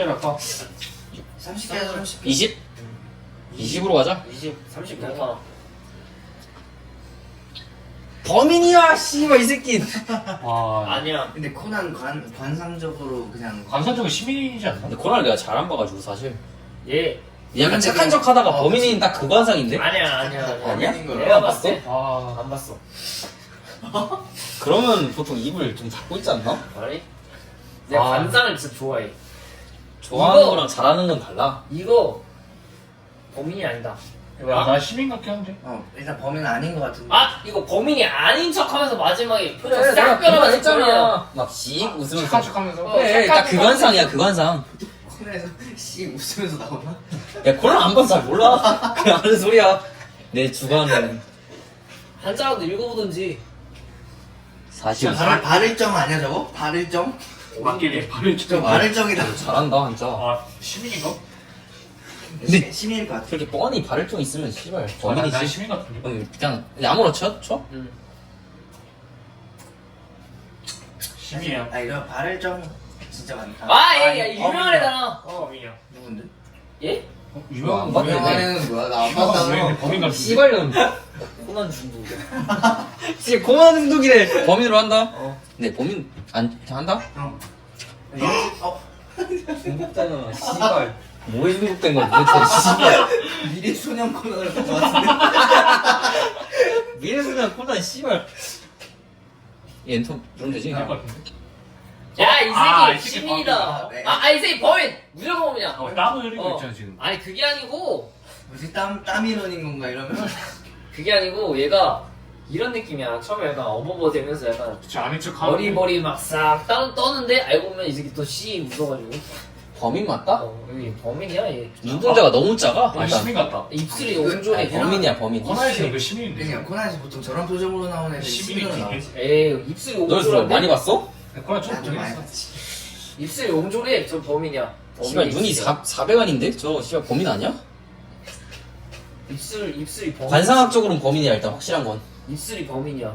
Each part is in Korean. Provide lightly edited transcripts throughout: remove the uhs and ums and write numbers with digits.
문제를 할까? 30개에서 30개. 20? 20으로 가자. 20, 30 괜찮아. 범인이야 씨발 이 새끼. 와. 아니야. 근데 코난 관상적으로 그냥 관상적인 시민이지 않나? 근데 코난을 내가 잘 안 봐가지고 사실. 얘. 약간 착한 척 하다가 범인인 딱 그 관상인데? 아니야. 아니야? 내가 봤을 때. 아. 안 봤어. 그러면 보통 입을 좀 닫고 있지 않나? 아니? 내가 아. 관상을 진짜 좋아해. 좋아하는 이거- 거랑 잘하는 건 달라. 이거 범인이 아니다. 나 시민 같긴 한데. 일단 범인은 아닌 것 같은데. 아 이거 범인이 아닌 척하면서 마지막에 표정 그래, 싹 내가 변하면서 했잖아. 범인이야. 막씩 웃으면서. 착한 척하면서. 어. 그래, 딱 그 관상이야, 그 관상. 코난에서 씨 웃으면서 나오나? 야, 코난 안 봐서 잘 몰라. 그냥 하는 소리야. 내 주관은 한자라도 읽어보든지. 사실 발을정 아니야 저거? 발을정? 맞긴 해. 발을 저 찍어. 발을정이다. 잘한다, 진짜. 아, 시민인가? 근데 시민일 것 같아. 그렇게 뻔히 발을증 있으면 씨발 난 범인이지. 시민 같은데. 그냥 아무렇죠? 쳐? 응. 시민이야. 아 이거 발을정 진짜 많다. 아, 얘 유명한 애잖아. 범인이야. 누군데? 얘? 유명한 맞네. 유명한 애는 뭐야? 나 안 왜 봤다고. 범인 같은데? 씨발년. 코난 중독이야. 진짜 고만 중독이래. 범인으로 한다? 어. 근데 범인 안 한다? 형. 중독자잖아, 씨발. 뭐에 중독된 거야, 도대체, 씨발. 미래 소년 코난을 본 것 같은데. 미래소년 코난, 씨발. 얘 엔터 누르면 되지? 할것 같은데? 야, 이 새끼 아, 이 새끼 시민이다. 범인이다. 네. 이 새끼 범인! 무조건 범인이야. 땀을 흘리고 어. 있잖아, 지금. 아니, 그게 아니고, 뭐지 땀이 흘린 건가 이러면? 그게 아니고, 얘가 이런 느낌이야. 처음에 약간 어버버 되면서 약간 그치, 아닌 척 하고. 머리 막 싹 떠는데, 알고 보면 이 새끼 또 씨 웃어가지고. 범인 맞다? 여기 범인이야, 얘. 눈동자가 너무 작아? 아, 시민 같다. 입술이 그- 옹졸해. 아니, 범인이야, 범인. 코난에서는 그 시민인데. 그냥 코난에서 보통 저런 표정으로 나오는 애들이 시민으로 나와. 시민이지. 에이, 입술이 너 그래서 옹졸한데? 많이 봤어? 코난 좀 좀 많이 모르겠어. 봤지. 입술이 옹졸해. 저 범인이야. 씨발, 눈이 400안인데? 저, 씨발, 범인 아니야? 입술이 범인. 관상학적으로는 범인이야, 일단, 확실한 건. 입술이 범인이야.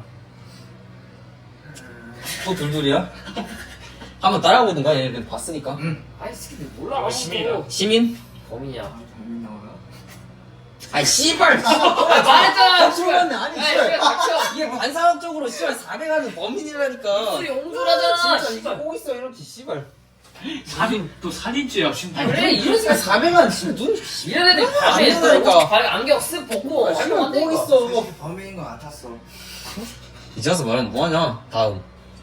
또 둘둘이야? 한번 따라해보든가, 얘네들 봤으니까. 응. 아이, 새끼들 몰라. 이거 시민이다. 아무것도. 시민? 범인이야. 범인 나오나? 아이, 씨발! 말했잖아! 죽었네, 아니, 야, 씨발. 씨발, 닥쳐! 이게 관상학적으로 씨발 400안은 범인이라니까. 입술이 옹졸하잖아! 진짜 이거 씨발. 보고 있어, 이렇게, 씨발. 또 살인죄야, 심지어. 그래, 이런 새끼 400안, 씨발, 눈, 이런 애들 밤에 안 된다니까. 밤에 안경 쓱 벗고 씨발, 하면 보고 안 있어. 범인인 것 같았어. 이제 와서 말하면 뭐하냐, 다음.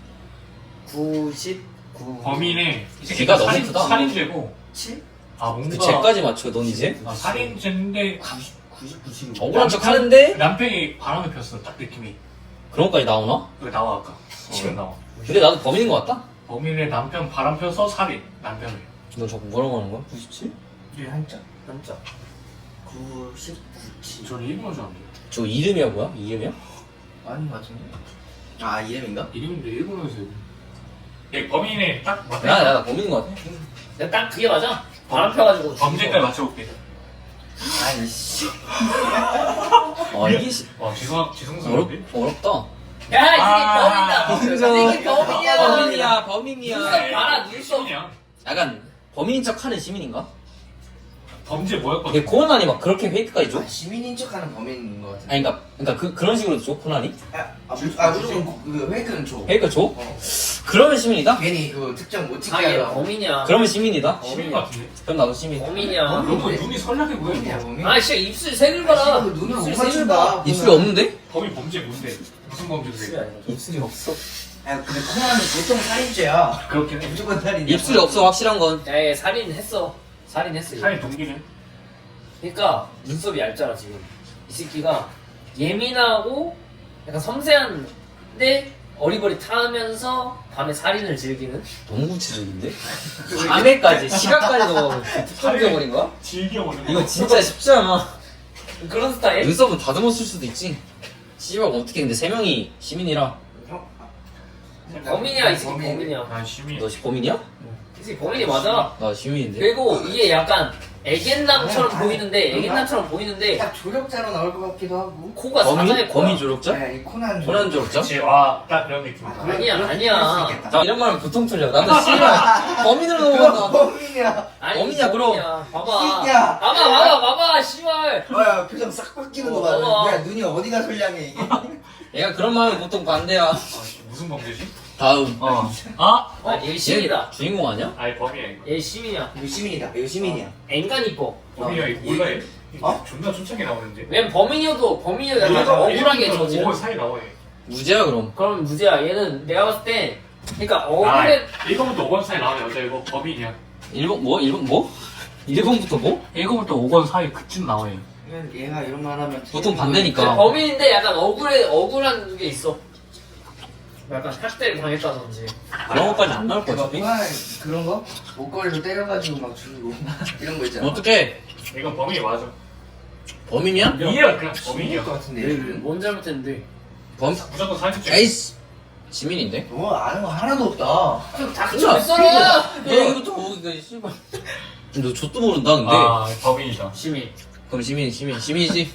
99. 범인의 걔가 너무 크다. 살인죄고. 7? 아, 뭔가. 그 쟤까지 맞춰, 넌 이제? 아, 살인죄인데. 99씩. 억울한 척 하는데? 남편이 바람을 폈어, 딱 느낌이. 그런 것까지 나오나? 그게 나와, 아까. 지금 나와. 근데 나도 범인인 것 같다? 범인의 남편 바람 펴서 살인. 남편을. 너 자꾸 뭐라고 하는 거야? 97? 이게 한자. 진짜. 99치. 저는 일본어 줄 알았는데. 저 이름이야, 뭐야? 이름이야? 아닌 것 같은데? 아 이름인가? 이름인데 일본어에서 일본. 예, 범인의 딱 맞아. 나 범인인 것 같아. 내가 딱 그게 맞아. 바람 펴가지고. 범죄까지 맞춰볼게. 아니 씨. 아, 이게 지성스러운데? 어렵다. 야, 이 새끼 범인이다. 이 새끼 범인이야. 범인이야. 눈썹 봐라, 눈썹. 시민이야. 약간 범인인 척 하는 시민인가? 범죄 뭐였거든? 근데 코난이 막 그렇게 페이크까지 줘? 아, 시민인 척하는 범인인 것 같은데. 아니, 그러니까 그런 식으로 줘, 코난이? 무조건 그 페이크는 줘. 페이크 줘? 어. 그러면 시민이다? 괜히 그 특정 못 찍게 아, 얘 하려고. 범인이야. 그러면 시민이다? 시민 같은데? 그럼 나도 시민. 범인이야. 너무 눈이 선량해 보여. 범인이야 범인. 아, 씨, 입술 색을 봐라. 눈을 못 입술 색을 맞춘다. 봐. 입술이 없는데? 범인 범죄 뭔데? 무슨 입술이 범죄인데? 아니야. 입술이 없어. 아 근데 코난은 보통 살인죄야. 그렇긴 해. 무조건 살인이야. 입술이 없어, 확실한 건. 야, 얘 살인했어. 살인했어. 얘. 살인 동기는? 그러니까 눈썹이 얇잖아 지금. 이 새끼가 예민하고 약간 섬세한데 어리버리타면서 밤에 살인을 즐기는. 너무 구체적인데? 밤에까지, 시각까지도 특정적버린 거야? 즐겨보는 이거 진짜 쉽지 않아. 그런 스타일. 눈썹은 다듬어 쓸 수도 있지. 씨발, 어떻게, 근데 3명이 시민이라. 형. 범인이야 이 새끼 범인이야. 아, 시민. 너 범인이야? 이 새끼 범인이 맞아. 나 시민인데. 그리고 이게 약간 애견남처럼 보이는데 딱 조력자로 나올 것 같기도 하고. 코가 사장의 코야. 범인 조력자? 네, 이 코난. 코난 조력자? 그치 와딱 그런 느낌이다. 아니야. 자 이런 말은 보통 틀려. 나도 씨발 범인으로 넘어간다. 범인이야. 아니, 범인이야, 그럼. 범인이야. 봐봐. 새끼야. 봐봐, 씨발. 뭐야 표정 싹 바뀌는 거 봐. 봐봐. 야 눈이 어디가 선량해 이게. 얘가 그런 말은 보통 반대야. 아, 무슨 범죄지? 다음. 얘 시민이다. 주인공 아니야? 아니 범이야 이거. 얘 시민이야. 이거 시민이다. 이거 시민이야. 앵간 이뻐. 범이야 이거 몰라 얘. 어? 존나 촌창게 나오는데. 왜냐면 범인이어도 약간 억울하게 저지른. 5월 사이 나와 얘. 무죄야 그럼. 그럼 무죄야. 얘는 내가 봤을 때 그러니까 아, 억울해. 1번부터 5번 사이 나오면 여자 이거 범인이야. 1번 뭐? 1번부터 뭐? 1번부터 5번 사이 그쯤 나와 얘. 얘가 이런 말 하면 보통 반대니까. 범인인데 약간 억울한 게 있어. 약간 학대를 당했다든지. 그런 것까지 안 나올 거 막 어차피. 그런 거? 목걸이로 때려가지고 막 주고 이런 거 있잖아. 어떻게? 이건 범인이 맞아. 범인이야? 이해가 그냥 범인일 범인이야. 것 같은데. 얘는? 뭔 잘못했는데? 범? 무조건 사기죄. 에이씨. 시민인데? 너 아는 거 하나도 없다. 좀 닥쳐 있어라. 너 여기부터 오기가 씨발. 너 좆도 모른다 근데. 아 범인이다. 시민. 그럼 시민이지.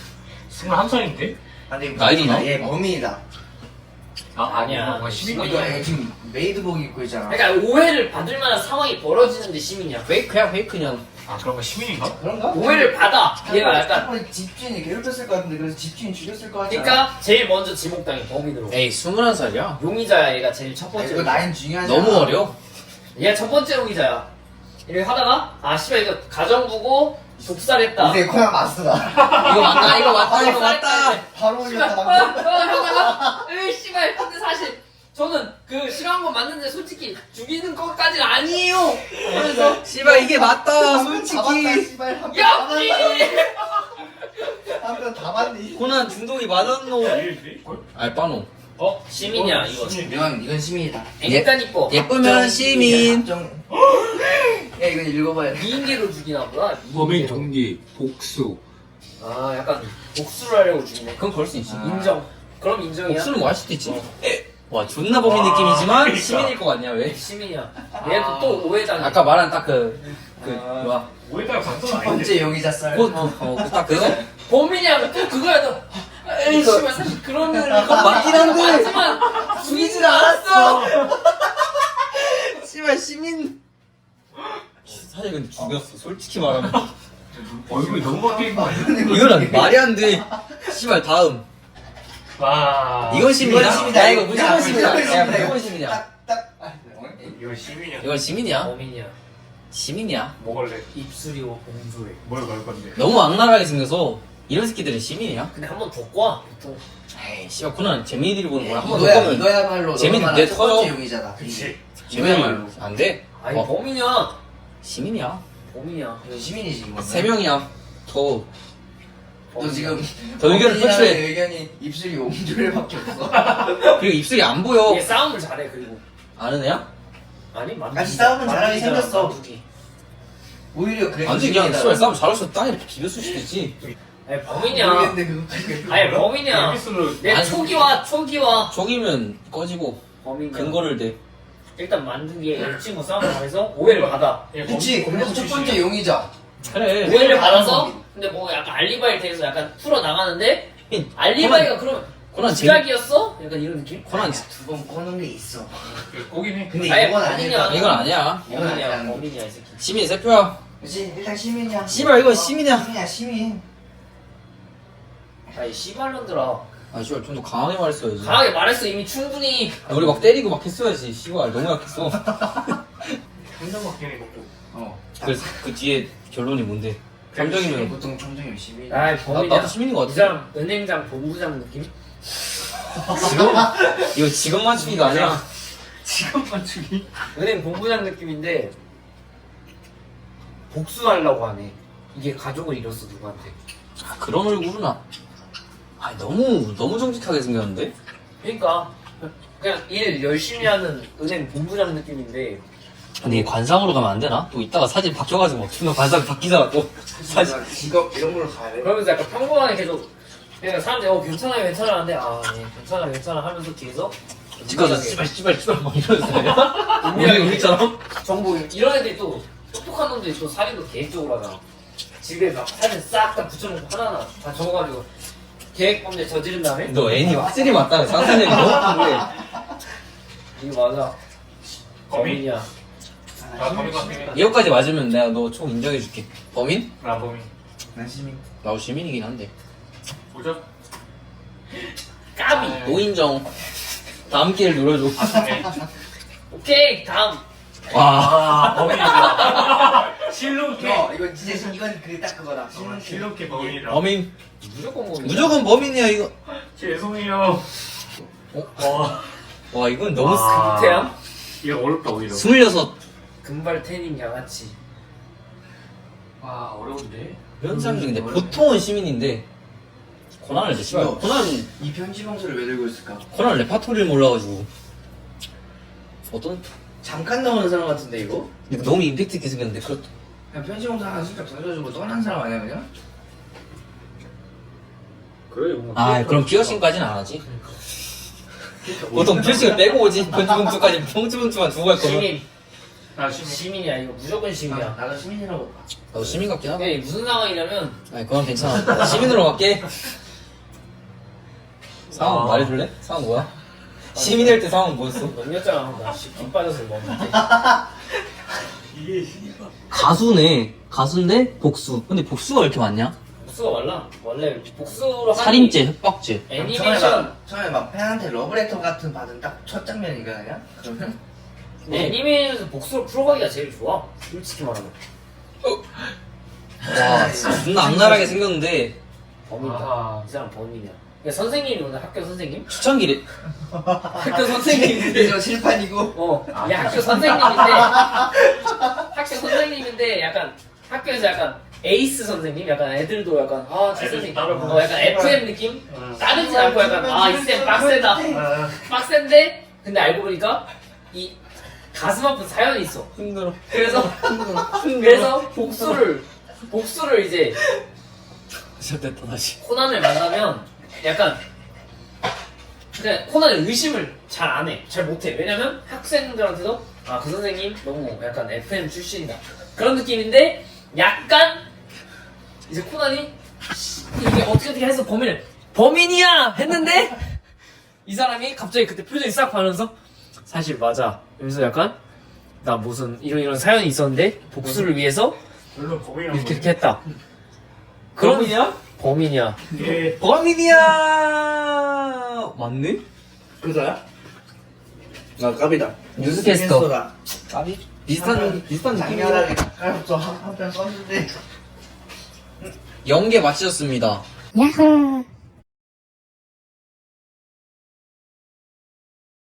21살인데? 아니 나이도 나? 얘 범인이다. 아니야. 뭔가 시민이 이거 얘 지금 메이드복 입고 있잖아. 그러니까 오해를 받을 만한 상황이 벌어지는데 시민이야. 페이크야 페이크 그냥. 아 그런 거 시민인가? 그런가? 오해를 받아. 얘가 약간. 한 번에 집주인이 괴롭혔을 것 같은데 그래서 집주인 죽였을 것 같잖아. 그러니까 제일 먼저 지목당해 범인으로. 에이 21살이야. 용의자야 얘가 제일 첫 아, 번째. 이거 나인 중요하지. 너무 않아. 어려. 얘가 첫 번째 용의자야. 이렇게 하다가 아 씨발 이거 가정부고 독살했다. 이제 코난 마스터다. 이거 맞다. 바로 씨발 올렸다. 하다가 에이 씨발 근데 사실 저는 그 싫어한 건 맞는데 솔직히 죽이는 것까지는 아니에요. 그래서 씨발 이게 맞다 여기 한편 다 맞네. 코난 중독이 맞았노. 일인데? 알바노. 어? 시민이야 이거. 이건 시민이다. 앵간 이뻐. 예쁘면 시민. 야 이건 읽어봐야 돼. 미인계로 죽이나 보다. 범행 미인계로. 동기 복수 아 약간 복수를 하려고 죽이네. 그건 그럴 수 있지. 아. 인정. 그럼 인정이야. 복수는 뭐 할 수도 있지. 와 존나 범인 느낌이지만 그러니까. 시민일 것 같냐 왜? 시민이야. 얘도 또 오해당해. 아까 말한 딱 뭐야? 오해다가 방송 첫 아닌데? 번째 용의자 썰. 딱 그거? 범인이야 또 그거야 너. 에이 그거- 씨발 사실 그런 건 맞긴 한데. 하지만 죽이질 않았어. 씨발 시민. 사실 근데 죽였어. 솔직히 말하면. 얼굴이 너무 바뀐 거 아니야? 이거는 말이 안 돼. 씨발 다음. 와. 이건 시민이야? 이건 시민이다. 야 이거 무조건 야, 시민이야. 무조건 야 시민이다. 무조건 시민이야. 딱. 이건 시민이야. 이건 시민이야. 범인이야. 시민이야. 먹을래? 입술이 공조해. 뭘 걸 건데? 너무 악랄하게 생겨서 이런 새끼들은 시민이야. 근데 한 번 더 꽈. 보통. 에이 씨발 코난 재민이들이 보는 거야. 한번 더 이거야 보면 이거야말로 재밌는데 너만한 첫 번째 터져. 용의자다. 그치. 재민이야말로 안 돼. 아니 어, 범인이야. 시민이야. 범인이야. 이건 시민이지 이거. 세 명이야. 더 너 지금 더 의견을 범인이라는 표출해. 의견이 입술이 옹졸밖에 없어. 그리고 입술이 안 보여. 얘 싸움을 잘해 그리고. 아는 애야? 아니 만두기. 같이 싸우면 잘하게 만두기잖아, 생겼어. 만두기. 오히려 그래. 안 돼, 그냥 씨발 싸움 잘했어. 땅에 비볐을 수도 있지. 아니 범인이야. 모르겠는데 그거까지. 아니 범인이야. 에비스로 내 아니, 초기와 속이면 꺼지고 범인이야. 근거를 대. 일단 만두기에 이 친구 싸움을 하면서 오해를 받아. 그치. 그래서 첫 번째 용의자. 그래. 오해를 받아서 근데 뭐 약간 알리바이를 대해서 약간 풀어 나가는데 알리바이가 그러면 코난 재 지각이었어? 약간 이런 느낌? 코난 두 번 꺼놓은 게 있어. 꼬긴 해. 근데 아예 이건 범인이야. 아닐까? 이건 아니야. 범인이야. 범인이야 이 새끼. 시민 세 표야. 그치. 일단 시민이야. 씨발, 이건 시민이야. 시민이야 시민. 아이 씨발년들아. 아 씨발 좀 더 강하게 말했어야지. 강하게 말했어 이미 충분히. 우리 막 때리고 막 했어야지. 씨발 너무 약했어. 한장 맞긴 해 먹고. 그래서 그 뒤에 결론이 뭔데? 감정이면 보통 청정이 시민. 아이 범인이야. 나도 시민인 것 이 같아. 사람 은행장 본부장 느낌? 이거 직업 맞추기가 아니야. 직업 맞추기. 은행 본부장 느낌인데 복수하려고 하네. 이게 가족을 잃었어 누구한테. 아, 그런 얼굴은 너무 정직하게 생겼는데? 그러니까 그냥 일 열심히 하는 은행 본부장 느낌인데 근데 이게 관상으로 가면 안 되나? 또 이따가 사진 바뀌어가지고 막 존나 관상 바뀌잖아 또. 사진. 직업 이런 걸로 가야 돼. 그러면서 약간 평범하게 계속 그러니까 사람들이 괜찮아요 괜찮아 하는데 네, 괜찮아 하면서 뒤에서 집 가서 씨발 막 이러면서. 우리처럼? 정보 이런 애들이 또 똑똑한 놈들이 또 살인도 계획적으로 하잖아. 집에 막 사진 싹 다 붙여놓고 하나하나 다 적어가지고 계획범죄 저지른 다음에 너 애니 확실히 맞다. 상상력이 너무 큰데. 이거 맞아. 범인? 범인이야. 나 범인 같으면 이거까지 맞으면 내가 너 총 인정해줄게. 범인? 나 범인. 난 시민. 나도 시민이긴 한데. 보자. 까비. 노인정. 다음 기회를 노려줘. 네. 오케이 다음. 와. 아 범인이다. 실룩해. 이건 진짜 이건 딱 그거다. 실룩해 범인이다. 범인. 무조건 범인. 무조건 범인이야 이거. 죄송해요. 와 이건 너무 와. 태양. 이거 어렵다 오히려. 26. 금발 태닝 양아치. 와 어려운데. 이런 사람들이 근데 보통은 시민인데 코난을 이제 씨발 이거. 코난 이 편지 봉투를 왜 들고 있을까? 코난 레파토리를 몰라가지고 어떤 잠깐 나오는 사람 같은데 이거? 이거 너무 임팩트 있게 생겼는데 그렇다. 그냥 편지 봉투 하나 슬쩍 던져주고 떠난 사람 아니야 그냥? 그래 뭐. 아 그럼 피어싱까지는 안 하지. 보통 피어싱을 빼고 오지. 편지봉투까지 편지봉투만 두고 갈 거면. 시민. 나 시민. 시민이야 이거 무조건 시민이야. 나도 시민이라고 봐. 나도 시민 같긴 하다. 이게 무슨 상황이냐면 아니 그건 괜찮아. 시민으로 갈게. 상황 말해줄래? 상황 뭐야? 시민 할 때 상황 뭐였어? 넘겼잖아. 나김 빠져서 먹는데. 이게 가수네. 가수인데 복수. 근데 복수가 왜 이렇게 많냐? 복수가 말라. 원래 복수로 하는 살인죄, 협박죄. 애니메이션 처음에 막 팬한테 러브레터 같은 받은 딱 첫 장면인가 그냥? 그러면? 애니메이션에서 복수로 풀어가기가 제일 좋아. 솔직히 말하면. 와 존나 악랄하게 생겼는데 범인이다. 아하. 이 사람 범인이야. 그러니까 선생님이 오늘 학교 선생님? 추천기래. 학교 선생님인데. 이거 실판이고. 이 학교 선생님인데. 학교 선생님인데 약간 학교에서 약간 에이스 선생님? 약간 애들도 약간 저 선생님 따르고. 약간 FM 느낌? 따르진 않고 약간 이 쌤 빡세다. 아, 빡센데 근데 알고 보니까 이 가슴 아픈 사연이 있어. 힘들어. 그래서 복수를 이제 시작됐다 다시. 코난을 만나면 약간 그냥 코난의 의심을 잘 안 해. 잘 못해. 왜냐면 학생들한테도 그 선생님 너무 약간 FM 출신이다. 그런 느낌인데 약간 이제 코난이 이게 어떻게 해서 범인이야 했는데 이 사람이 갑자기 그때 표정이 싹 변하면서 사실 맞아. 그래서 약간 나 무슨 이런 사연이 있었는데 복수를 위해서 물론 범인이란 이렇게 했다. 그런 범인이야? 범인이야. 예. 범인이야. 맞네? 그거야? 아 까비다. 뉴스캐스터. 까비? 비슷한 느낌이야. 장렬하게 가까이부터 한편 썼는데 연계 마치셨습니다. 야호